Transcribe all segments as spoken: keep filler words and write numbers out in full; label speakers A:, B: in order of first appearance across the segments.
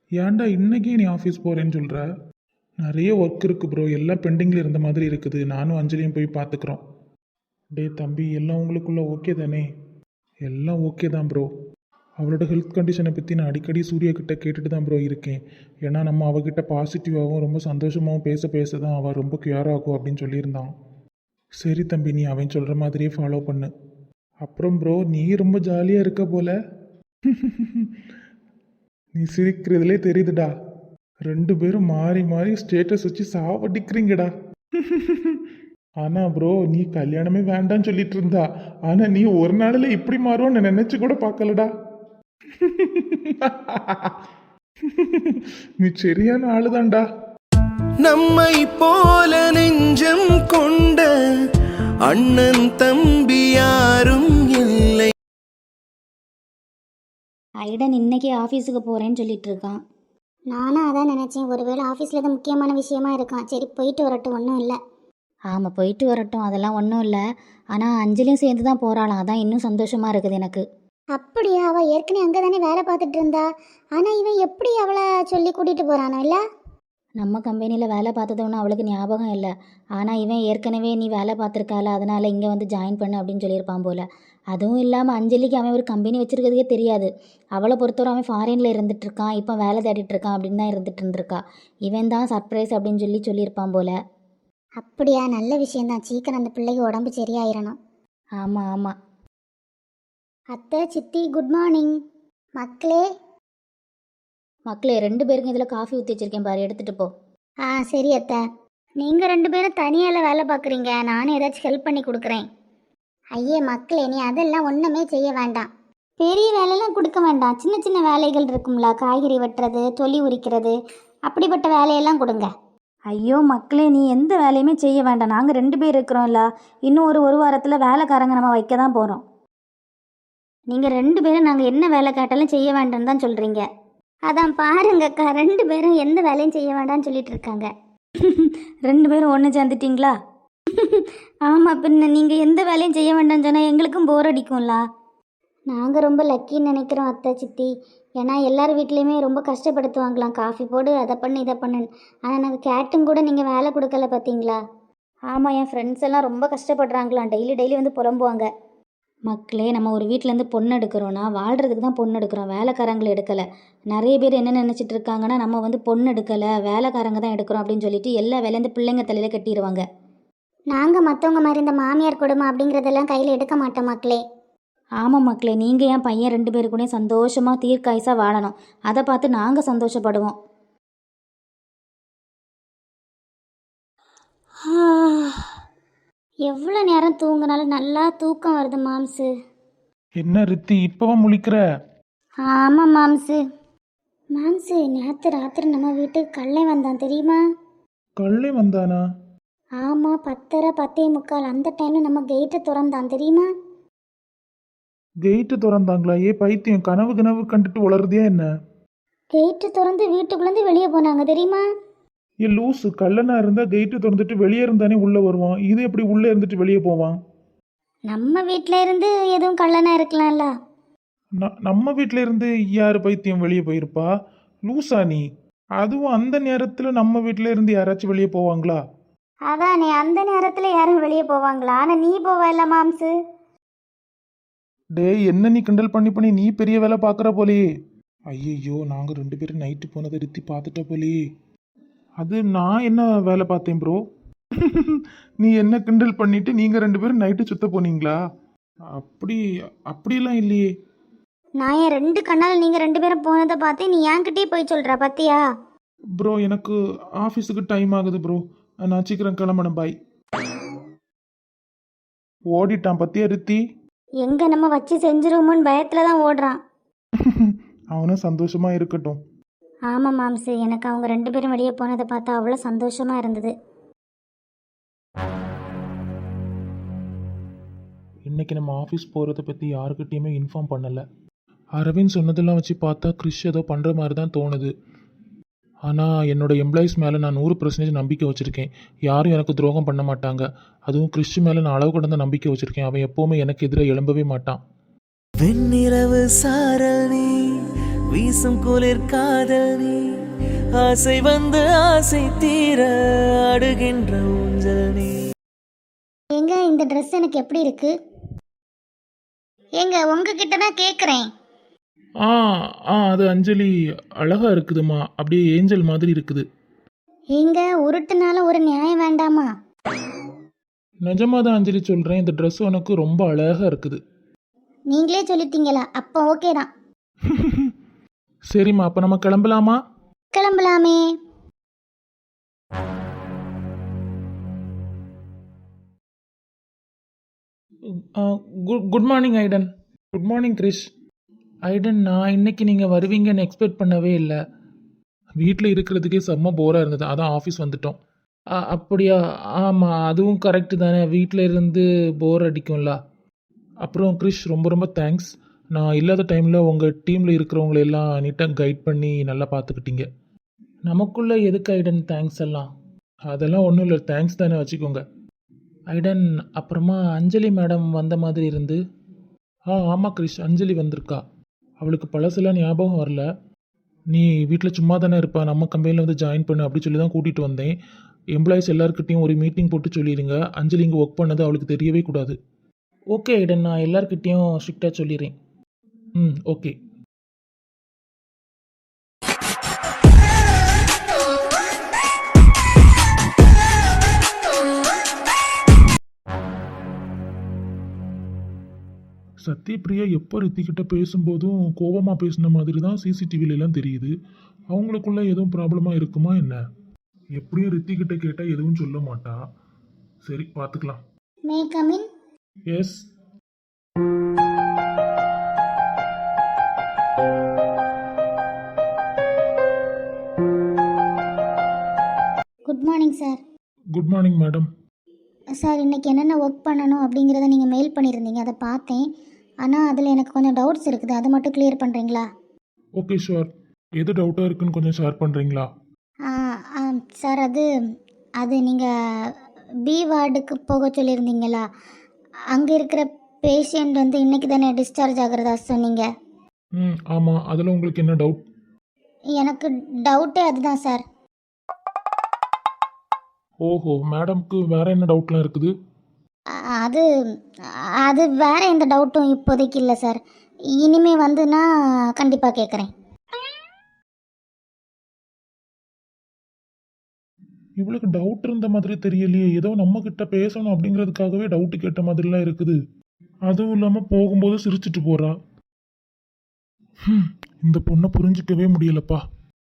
A: ஏன்டா இன்னைக்கே நீ ஆஃபீஸ் போகிறேன்னு சொல்கிற? நிறைய ஒர்க் இருக்குது ப்ரோ, எல்லாம் பெண்டிங்கில் இருந்த மாதிரி இருக்குது. நானும் அஞ்சலியும் போய் பார்த்துக்குறோம். டே தம்பி, எல்லாம் உங்களுக்குள்ள ஓகே தானே? எல்லாம் ஓகே தான் ப்ரோ. அவளோட ஹெல்த் கண்டிஷனை பற்றி நான் அடிக்கடி சூர்யா கிட்ட கேட்டுட்டு தான் ப்ரோ இருக்கேன். ஏன்னா நம்ம அவகிட்ட பாசிட்டிவாகவும் ரொம்ப சந்தோஷமாகவும் பேச பேச தான் அவள் ரொம்ப கியூர் ஆகும் அப்படின்னு சொல்லியிருந்தான். சரி தம்பி, நீ அவன் சொல்கிற மாதிரியே ஃபாலோ பண்ணு. அப்புறம் ப்ரோ, நீ ரொம்ப ஜாலியாக இருக்க போல. நீ சிரிக்கிறதுலே தெரியுதுடா. ரெண்டு பேரும் மாறி மாறி ஸ்டேட்டஸ் வச்சு சாவடிக்கிறீங்கடா. ஆனா ப்ரோ, நீ கல்யாணமே வேண்டான்னு சொல்லிட்டு இருந்தா. ஆனா நீ ஒரு நாளில் இப்படி மாறுவோன்னு நினைச்சு கூட பார்க்கலடா. நீ சரியான ஆளுதான்டா.
B: நம்மை போல நெஞ்சம் கொண்ட அண்ணன் தம்பி யாரும் இல்லை.
C: ஐடன் இன்னைக்கு ஆஃபீஸுக்கு போகிறேன்னு சொல்லிட்டு இருக்கான்.
D: நானும் அதான் நினச்சேன், ஒருவேளை ஆஃபீஸில் தான் முக்கியமான விஷயமா இருக்கான். சரி போயிட்டு வரட்டும், ஒன்றும் இல்லை.
C: ஆமாம், போயிட்டு வரட்டும், அதெல்லாம் ஒன்றும் இல்லை. ஆனால் அஞ்சலியும் சேர்ந்து தான் போகிறாளாம், அதான் இன்னும் சந்தோஷமாக இருக்குது எனக்கு.
D: அப்படியா? அவள் ஏற்கனவே அங்கே தானே வேலை பார்த்துட்டு இருந்தா. ஆனால் இவன் எப்படி அவளை சொல்லி கூட்டிகிட்டு போகிறானோ இல்லை?
C: நம்ம கம்பெனியில் வேலை பார்த்ததோன்னு அவளுக்கு ஞாபகம் இல்லை. ஆனால் இவன் ஏற்கனவே நீ வேலை பார்த்துருக்கால, அதனால் இங்கே வந்து ஜாயின் பண்ணு அப்படின்னு சொல்லியிருப்பான் போல். அதுவும் இல்லாமல் அஞ்சலிக்கு அவன் ஒரு கம்பெனி வச்சுருக்கிறதுக்கே தெரியாது. அவளை பொறுத்தவரை அவன் ஃபாரினில் இருந்துகிட்ருக்கான், இப்போ வேலை தேடிட்டுருக்கான் அப்படின்னு தான் இருந்துகிட்டு இருந்திருக்கா. இவன் தான் சர்ப்ரைஸ் அப்படின்னு சொல்லி சொல்லியிருப்பான் போல்.
D: அப்படியா? நல்ல விஷயந்தான். சீக்கிரம் அந்த பிள்ளைக்கு உடம்பு சரியாயிடணும்.
C: ஆமாம் ஆமாம்.
D: அத்தை, சித்தி, குட் மார்னிங். மக்களே
C: மக்களே, ரெண்டு பேருக்கும் இதில் காஃபி ஊற்றி வச்சிருக்கேன் பாரு, எடுத்துகிட்டு போ.
D: ஆ சரி அத்தை. நீங்கள் ரெண்டு பேரும் தனியால் வேலை பார்க்குறீங்க, நானும் ஏதாச்சும் ஹெல்ப் பண்ணி கொடுக்குறேன். ஐயே மக்களே, நீ அதெல்லாம் ஒன்றுமே செய்ய வேண்டாம். பெரிய வேலையெல்லாம் கொடுக்க வேண்டாம். சின்ன சின்ன வேலைகள் இருக்கும்ல, காய்கறி வெட்டுறது, தொலி உரிக்கிறது, அப்படிப்பட்ட வேலையெல்லாம் கொடுங்க.
C: ஐயோ மக்களே, நீ எந்த வேலையுமே செய்ய வேண்டாம். நாங்கள் ரெண்டு பேர் இருக்கிறோம்ல, இன்னும் ஒரு ஒரு வாரத்தில் வேலைக்காரங்க நம்ம வைக்க தான் போகிறோம்.
D: நீங்கள் ரெண்டு பேரும் நாங்கள் என்ன வேலை கேட்டாலும் செய்ய வேண்டாம்னு தான் சொல்கிறீங்க. அதான் பாருங்கக்கா, ரெண்டு பேரும் எந்த வேலையும் செய்ய வேண்டாம்னு சொல்லிட்டு இருக்காங்க.
C: ரெண்டு பேரும் ஒன்று சேர்ந்துட்டிங்களா?
D: ஆமாம், பின்ன நீங்கள் எந்த வேலையும் செய்ய வேண்டாம்னு சொன்னால் எங்களுக்கும் போர் அடிக்கும்ல. நாங்கள் ரொம்ப லக்கின்னு நினைக்கிறோம் அத்தை, சித்தி. ஏன்னா எல்லார் வீட்லேயுமே ரொம்ப கஷ்டப்படுத்துவாங்களாம், காஃபி போடு, அதை பண்ணு, இதை பண்ணுன்னு. ஆனால் நாங்கள் கேட்டும் கூட நீங்கள் வேலை கொடுக்கல பார்த்தீங்களா?
C: ஆமாம், என் ஃப்ரெண்ட்ஸ் எல்லாம் ரொம்ப கஷ்டப்படுறாங்களாம், டெய்லி டெய்லி வந்து புலம்புவாங்க. மக்களே, நம்ம ஒரு வீட்டிலேருந்து பொண்ணு எடுக்கிறோன்னா வாழ்கிறதுக்கு தான் பொண்ணு எடுக்கிறோம், வேலைக்காரங்களை எடுக்கலை. நிறைய பேர் என்ன நினச்சிட்டு இருக்காங்கன்னா, நம்ம வந்து பொண்ணு எடுக்கலை, வேலைக்காரங்க தான் எடுக்கிறோம் அப்படின்னு சொல்லிட்டு எல்லா வேலையும் பிள்ளைங்க தலையில் கட்டிடுவாங்க.
D: நாங்கள் மற்றவங்க மாதிரி இந்த மாமியார் கொடுமை அப்படிங்கிறதெல்லாம் கையில் எடுக்க மாட்டோம் மக்களே.
C: ஆமாம் மக்களே, நீங்கள் என் பையன் ரெண்டு பேரு கூட சந்தோஷமாக தீர்க்காயசாக வாழணும், அதை பார்த்து நாங்கள் சந்தோஷப்படுவோம்.
D: எவ்வளோ நேரம் தூங்கினாலும் நல்லா தூக்கம் வருது மாம்சு.
A: என்ன ரித்தி, இப்பவா முழிக்கிற?
D: ஆமாம் மாம்சு. மாம்சு, நேற்று ராத்திரி நம்ம வீட்டுக்கு கள்ளை வந்தான் தெரியுமா?
A: கள்ளே வந்தானா?
D: ஆமாம், பத்தரை பத்தே முக்கால் அந்த டைமில் நம்ம கேட்டை திறந்தான் தெரியுமா?
A: கெயிட்டு திறந்தாங்களா? ஏ பைத்தியம், கனவு கனவு கண்டுட்டு உளருதியா என்ன?
D: கேட்டு திறந்து வீட்டுக்குள்ளேருந்து வெளியே போனாங்க தெரியுமா?
A: ஏ லூசு, கள்ளனா இருந்தா கெயிட்டு திறந்துட்டு வெளியே இருந்தானே உள்ள வருவான். இது எப்படி உள்ள இருந்துட்டு வெளியே போவான்?
D: நம்ம வீட்டில் இருந்து எதுவும் கள்ளனா இருக்கலாம்ல.
A: ந- நம்ம வீட்டில இருந்து யாரு பைத்தியம் வெளியே போயிருப்பா? லூசா நீ? அதுவும் அந்த நேரத்துல நம்ம வீட்டில இருந்து யாராச்சும் வெளியே போவாங்களா?
D: அதானே, அந்த நேரத்தில் யாரும் வெளியே போவாங்களா? ஆனால் நீ போவல மாம்சு.
A: டேய், என்ன நீ கிண்டல் பண்ணி பண்ணி நீ பெரிய வேலை பார்க்குற போலேயே. ஐயையோ, நாங்கள் ரெண்டு பேரும் நைட்டு போனதை ரித்தி பார்த்துட்ட போலேயே. அது நான் என்ன வேலை பார்த்தேன் ப்ரோ? நீ என்ன கிண்டல் பண்ணிட்டு நீங்கள் ரெண்டு பேரும் நைட்டு சுத்த போனீங்களா? அப்படி அப்படிலாம் இல்லையே.
D: நான் என் ரெண்டு கண்ணால் நீங்கள் ரெண்டு பேரும் போனதை பார்த்து நீ என்கிட்டயே போய் சொல்கிற பார்த்தியா?
A: ப்ரோ, எனக்கு ஆஃபீஸுக்கு டைம் ஆகுது ப்ரோ, நான் சீக்கிரம் கிளம்பணும், பாய். ஓடிட்டான் பத்தியா ரித்தி?
D: எங்கே நம்ம வச்சு செஞ்சிருவோமோன்னு பயத்தில் தான் ஓடுறான்.
A: அவனும் சந்தோஷமா இருக்கட்டும்.
D: ஆமாம் மாம்சு, எனக்கு அவங்க ரெண்டு பேரும் வெளியே போனதை பார்த்தா அவ்வளோ சந்தோஷமாக இருந்தது.
A: இன்னைக்கு நம்ம ஆஃபீஸ் போகிறத பற்றி யாருக்கிட்டேயுமே இன்ஃபார்ம் பண்ணலை. அரவிந்த் சொன்னதெல்லாம் வச்சு பார்த்தா கிறிஷ் ஏதோ பண்ணுற மாதிரி தான் தோணுது. ஆனால் என்னோடய எம்ப்ளாயீஸ் மேலே நான் நூறு பர்சன்டேஜ் நம்பிக்கை வச்சுருக்கேன். யாரும் எனக்கு துரோகம் பண்ண மாட்டாங்க. அதுவும் கிறிஷ் மேலே நான் அளவு கடந்த நம்பிக்கை வச்சுருக்கேன். அவன் எப்போவுமே எனக்கு எதிராக எழும்பவே மாட்டான்.
B: வெண்ணிலவு சாரணி வீசும் குளிர் காதல் நீ ஆசை வந்து ஆசை தீர அடுகின்ற ஊஞ்சல் நீ.
D: ஏங்க இந்த ட்ரெஸ் எனக்கு எப்படி இருக்கு? ஏங்க உங்ககிட்ட தான் கேட்குறேன்.
A: ஆ ஆ அது அஞ்சலி அழகா இருக்குதுமா, அப்படியே ஏஞ்சல் மாதிரி இருக்குது.
D: ஏங்க உருட்டுனால ஒரு நியாயம் வேண்டாமா?
A: நிஜமாக தான் அஞ்சலி சொல்கிறேன், இந்த ட்ரெஸ் உனக்கு ரொம்ப அழகாக இருக்குது.
D: நீங்களே சொல்லிட்டீங்களா? அப்போ ஓகே தான்.
A: சரிம்மா, அப்போ நம்ம கிளம்பலாமா?
D: கிளம்பலாமே.
A: Good good morning Aidan. Good morning Krish. Aidan, நான் இன்னைக்கு நீங்கள் வருவீங்கன்னு எக்ஸ்பெக்ட் பண்ணவே இல்லை. வீட்டில் இருக்கிறதுக்கே செம்ம போராக இருந்தது, அதான் ஆஃபீஸ் வந்துட்டோம். அ, அப்படியா? ஆமாம், அதுவும் கரெக்டு தானே, வீட்டில் இருந்து போர் அடிக்கும்ல. அப்புறம் கிரிஷ், ரொம்ப ரொம்ப தேங்க்ஸ். நான் இல்லாத டைமில் உங்கள் டீமில் இருக்கிறவங்கள எல்லாம் நீட்டாக கைட் பண்ணி நல்லா பார்த்துக்கிட்டீங்க. நமக்குள்ளே எதுக்கு ஐடன் தேங்க்ஸ் எல்லாம்? அதெல்லாம் ஒன்றும் இல்லை, தேங்க்ஸ் தானே வச்சுக்கோங்க. ஐடன், அப்புறமா அஞ்சலி மேடம் வந்த மாதிரி இருந்து. ஆ ஆமாம் கிரிஷ், அஞ்சலி வந்திருக்கா. அவளுக்கு பழசெல்லாம் ஞாபகம் வரல. நீ வீட்டில் சும்மா தானே இருப்பா, நம்ம கம்பெனியில் வந்து ஜாயின் பண்ணு அப்படி சொல்லி தான் கூட்டிகிட்டு வந்தேன். எம்ப்ளாயிஸ் எல்லாருக்கிட்டையும் ஒரு மீட்டிங் போட்டு சொல்லிடுங்க, அஞ்சலி இங்கே ஒர்க் பண்ணது அவளுக்கு தெரியவே கூடாது. ஓகே ஐடன், நான் எல்லாருக்கிட்டையும் ஸ்ட்ரிக்டாக சொல்லிடுறேன். ம் ஓகே. சத்யபிரியா எப்போ ரித்திக்கிட்ட பேசும்போதும் கோபமாக பேசின மாதிரி தான் சிசிடிவிலெலாம் தெரியுது. அவங்களுக்குள்ள எதுவும் ப்ராப்ளமாக இருக்குமா என்ன? எப்படியும் ரித்திக்கிட்ட கேட்டால் எதுவும் சொல்ல மாட்டா. சரி, பார்த்துக்கலாம்.
D: May come in?
A: Yes.
D: Good morning sir.
A: Good morning madam.
D: Sir, இன்னைக்கு என்னென்ன ஒர்க் பண்ணணும் அப்படிங்கிறத நீங்கள் மெயில் பண்ணியிருந்தீங்க, அதை பார்த்தேன். ஆனால் அதில் எனக்கு கொஞ்சம் டவுட்ஸ் இருக்குது, அதை மட்டும் கிளியர் பண்ணுறீங்களா?
A: Okay sure. எது டவுட்டாக இருக்குன்னு கொஞ்சம் ஷேர் பண்ணுறீங்களா?
D: சார், அது அது நீங்கள் பி வார்டுக்கு போக சொல்லியிருந்தீங்களா? அங்கே இருக்கிற பேஷண்ட் வந்து இன்னைக்கு தானே டிஸ்சார்ஜ் ஆகிறதா சொன்னீங்க.
A: ம் ஆமாம், அதில் உங்களுக்கு என்ன டவுட்?
D: எனக்கு டவுட்டே அதுதான் சார்.
A: ஓஹோ, மேடம்க்கு வேறு என்ன டவுட்லாம் இருக்குது?
D: அ- அது அது வேற எந்த டவுட்டும் இப்போதைக்கு இல்லை சார். இனிமே வந்து நான் கண்டிப்பாக கேட்குறேன்.
A: இவளுக்கு டவுட் இருந்த மாதிரி தெரியலையே, ஏதோ நம்ம கிட்ட பேசணும் அப்படிங்கிறதுக்காகவே டவுட்டு கேட்ட மாதிரிலாம் இருக்குது. அதுவும் இல்லாமல் போகும்போது சிரிச்சிட்டு போறா. ஹம், இந்த பொண்ணை புரிஞ்சிக்கவே முடியலப்பா.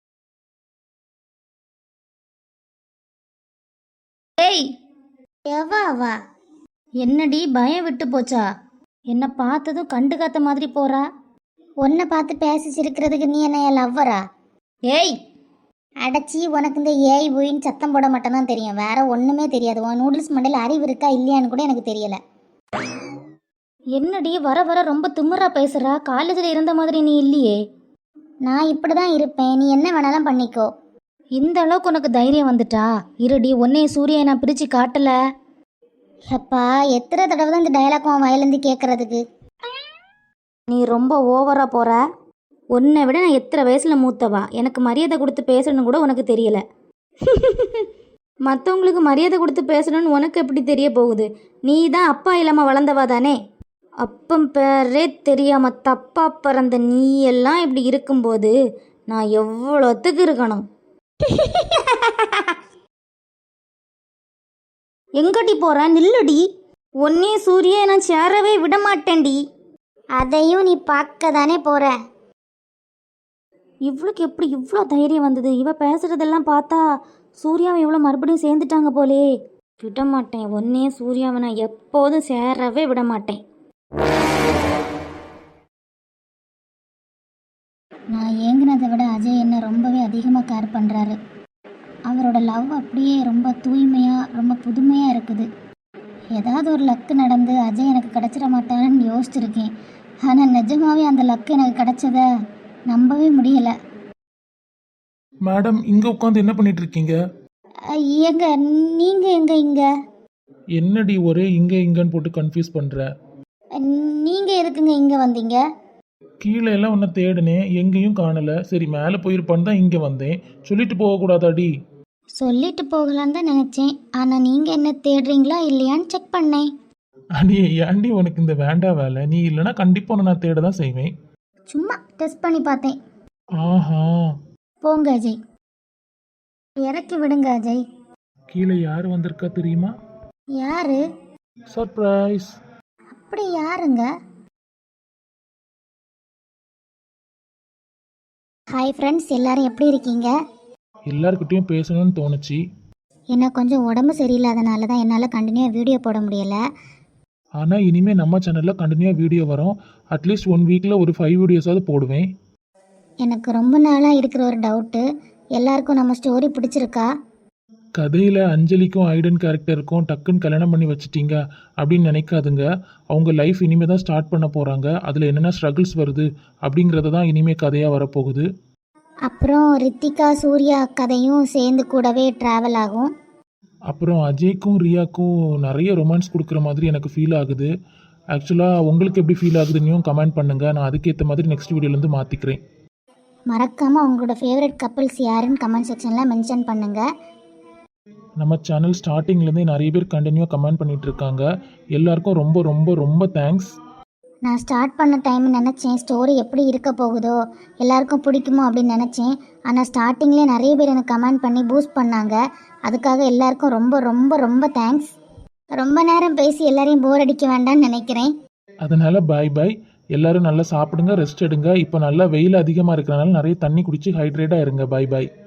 C: ஏய்,
D: எவா வா?
C: என்னடி பயம் விட்டு போச்சா? என்னை பார்த்ததும் கண்டுக்காத்த மாதிரி போறா.
D: உன்னை பார்த்து பேசி சிரிக்கிறதுக்கு நீ என்ன லவ்வரா?
C: ஏய்,
D: அடைச்சி, உனக்கு இந்த ஏய் போயின்னு சத்தம் போட மட்டும் தான் தெரியும், வேற ஒன்றுமே தெரியாது. உன் நூடுல்ஸ் மண்டையில் அறிவு இருக்கா இல்லையான்னு கூட எனக்கு தெரியல.
C: என்னடி வர வர ரொம்ப திமிரா பேசுறா? காலேஜில் இருந்த மாதிரி நீ இல்லையே.
D: நான் இப்படி தான் இருப்பேன், நீ என்ன வேணாலும் பண்ணிக்கோ.
C: இந்த அளவுக்கு உனக்கு தைரியம் வந்துட்டா? இருடி, உன்னைய சூரிய நான் பிரித்து காட்டல.
D: எப்பா, எத்தனை தடவை தான் இந்த டயலாக் உன் வயலேருந்து கேட்கறதுக்கு?
C: நீ ரொம்ப ஓவரா போற. உன்னை விட நான் எத்தனை வயசுல மூத்தவா, எனக்கு மரியாதை கொடுத்து பேசணும்னு கூட உனக்கு தெரியல. மற்றவங்களுக்கு மரியாதை கொடுத்து பேசணும்னு உனக்கு எப்படி தெரிய போகுது? நீ தான் அப்பா இல்லாமல் வளர்ந்தவா தானே. அப்பம் பேரே தெரியாம தப்பா பிறந்த நீ எல்லாம் இப்படி இருக்கும்போது நான் எவ்வளோத்துக்கு இருக்கணும்? எங்கடி போற? நில்லுடி. ஒன்னே சூரிய நான் சேரவே விட மாட்டேன்டி.
D: அதையும் நீ பார்க்க தானே போற.
C: இவளுக்கு எப்படி இவ்வளோ தைரியம் வந்தது? இவ பேசுறதெல்லாம் பார்த்தா சூர்யாவை இவ்வளோ மறுபடியும் சேர்ந்துட்டாங்க போலே. விட மாட்டேன், ஒன்னே சூர்யாவை நான் எப்போதும் சேரவே விட மாட்டேன்.
D: நான் ஏங்கினதை விட அஜய் என்ன ரொம்பவே அதிகமாக கேர் பண்ணுறாரு. அவரோட லவ் அப்படியே ரொம்ப தூய்மையாக ரொம்ப புதுமையாக இருக்குது. ஏதாவது ஒரு லக்கு நடந்து அஜய் எனக்கு கிடச்சிட மாட்டாருன்னு யோசிச்சிருக்கேன். ஆனால் நிஜமாவே அந்த லக்கு எனக்கு கிடச்சத நம்பவே முடியலை.
A: மேடம், இங்கே உட்காந்து என்ன பண்ணிட்டு இருக்கீங்க?
D: எங்க நீங்கள் எங்க இங்கே?
A: என்னடி ஒரே இங்கே இங்கன்னு போட்டு கன்ஃபியூஸ் பண்ணுற?
D: நீங்கள் எதுக்குங்க இங்கே வந்தீங்க?
A: கீழே எல்லாம் உன்னை தேடினேன், எங்கேயும் காணலை. சரி மேலே போயிருப்பான்னு தான் இங்கே வந்தேன். சொல்லிட்டு போகக்கூடாதாடி?
D: சொல்லிட்டு போகலான்னு தான் நினச்சேன், ஆனால் நீங்கள் என்ன தேடுறீங்களா இல்லையான்னு செக் பண்ணேன்.
A: அடி ஏன்டி உனக்கு இந்த வேண்டா வேலை? நீ இல்லைன்னா கண்டிப்பாக உன்னை நான் தேட தான் செய்வேன்.
D: சும்மா டெஸ்ட் பண்ணி பார்த்தேன்.
A: ஆஹா,
D: போங்க அஜய், இறக்கி விடுங்க அஜய்.
A: கீழே யார் வந்திருக்கா தெரியுமா?
D: யாரு?
A: சர்ப்ரைஸ்.
D: அப்படி யாருங்க? ஹாய் ஃப்ரெண்ட்ஸ், எல்லாரும் எப்படி இருக்கீங்க?
A: எல்லாருக்கிட்டையும் பேசணும்னு தோணுச்சு.
D: எனக்கு கொஞ்சம் உடம்பு சரியில்லாதனால தான் என்னால் கண்டினியூவாக வீடியோ போட முடியலை.
A: ஆனால் இனிமேல் நம்ம சேனலில் கண்டினியூவாக வீடியோ வரும். அட்லீஸ்ட் ஒன் வீக்கில் ஒரு ஃபைவ் வீடியோஸாவது போடுவேன்.
D: எனக்கு ரொம்ப நாளாக இருக்கிற ஒரு டவுட்டு, எல்லாருக்கும் நம்ம ஸ்டோரி பிடிச்சிருக்கா?
A: கதையில் அஞ்சலிக்கும் ஐடன் கேரக்டருக்கும் டக்குன்னு கல்யாணம் பண்ணி வச்சிட்டீங்க அப்படின்னு நினைக்காதுங்க. அவங்க லைஃப் இனிமேல் தான் ஸ்டார்ட் பண்ண போகிறாங்க. அதில் என்னென்ன ஸ்ட்ரகிள்ஸ் வருது அப்படிங்கிறது தான் இனிமேல் கதையாக வரப்போகுது.
D: அப்புறம் ரித்திகா சூர்யா கதையும் சேர்ந்து கூடவே ட்ராவல் ஆகும்.
A: அப்புறம் அஜய்க்கும் ரியாக்கும் நிறைய ரொமான்ஸ் கொடுக்குற மாதிரி எனக்கு ஃபீல் ஆகுது. ஆக்சுவலாக உங்களுக்கு எப்படி ஃபீல் ஆகுதுன்னும் கமெண்ட் பண்ணுங்கள். நான் அதுக்கேற்ற மாதிரி நெக்ஸ்ட் வீடியோலேருந்து மாற்றிக்கிறேன்.
D: மறக்காமல் உங்களோட ஃபேவரட் கப்பிள்ஸ் யாருன்னு கமெண்ட் செக்ஷனில் மென்ஷன் பண்ணுங்கள்.
A: நம்ம சேனல் ஸ்டார்டிங்லேருந்தே நிறைய பேர் கண்டினியூவாக கமெண்ட் பண்ணிகிட்டு இருக்காங்க. எல்லாருக்கும் ரொம்ப ரொம்ப ரொம்ப தேங்க்ஸ்.
D: நான் ஸ்டார்ட் பண்ண டைம் நினச்சேன் ஸ்டோரி எப்படி இருக்க போகுதோ, எல்லாருக்கும் பிடிக்குமோ அப்படின்னு நினச்சேன். ஆனால் ஸ்டார்டிங்லேயே நிறைய பேர் எனக்கு கமெண்ட் பண்ணி பூஸ்ட் பண்ணாங்க. அதுக்காக எல்லாருக்கும் ரொம்ப ரொம்ப ரொம்ப தேங்க்ஸ். ரொம்ப நேரம் பேசி எல்லாரையும் போர் அடிக்க வேண்டாம்னு நினைக்கிறேன்.
A: அதனால் பாய் பாய். எல்லோரும் நல்லா சாப்பிடுங்க, ரெஸ்ட் எடுங்க. இப்போ நல்லா வெயில் அதிகமாக இருக்கிறனால நிறைய தண்ணி குடிச்சு ஹைட்ரேட்டாக இருங்க. பாய் பாய்.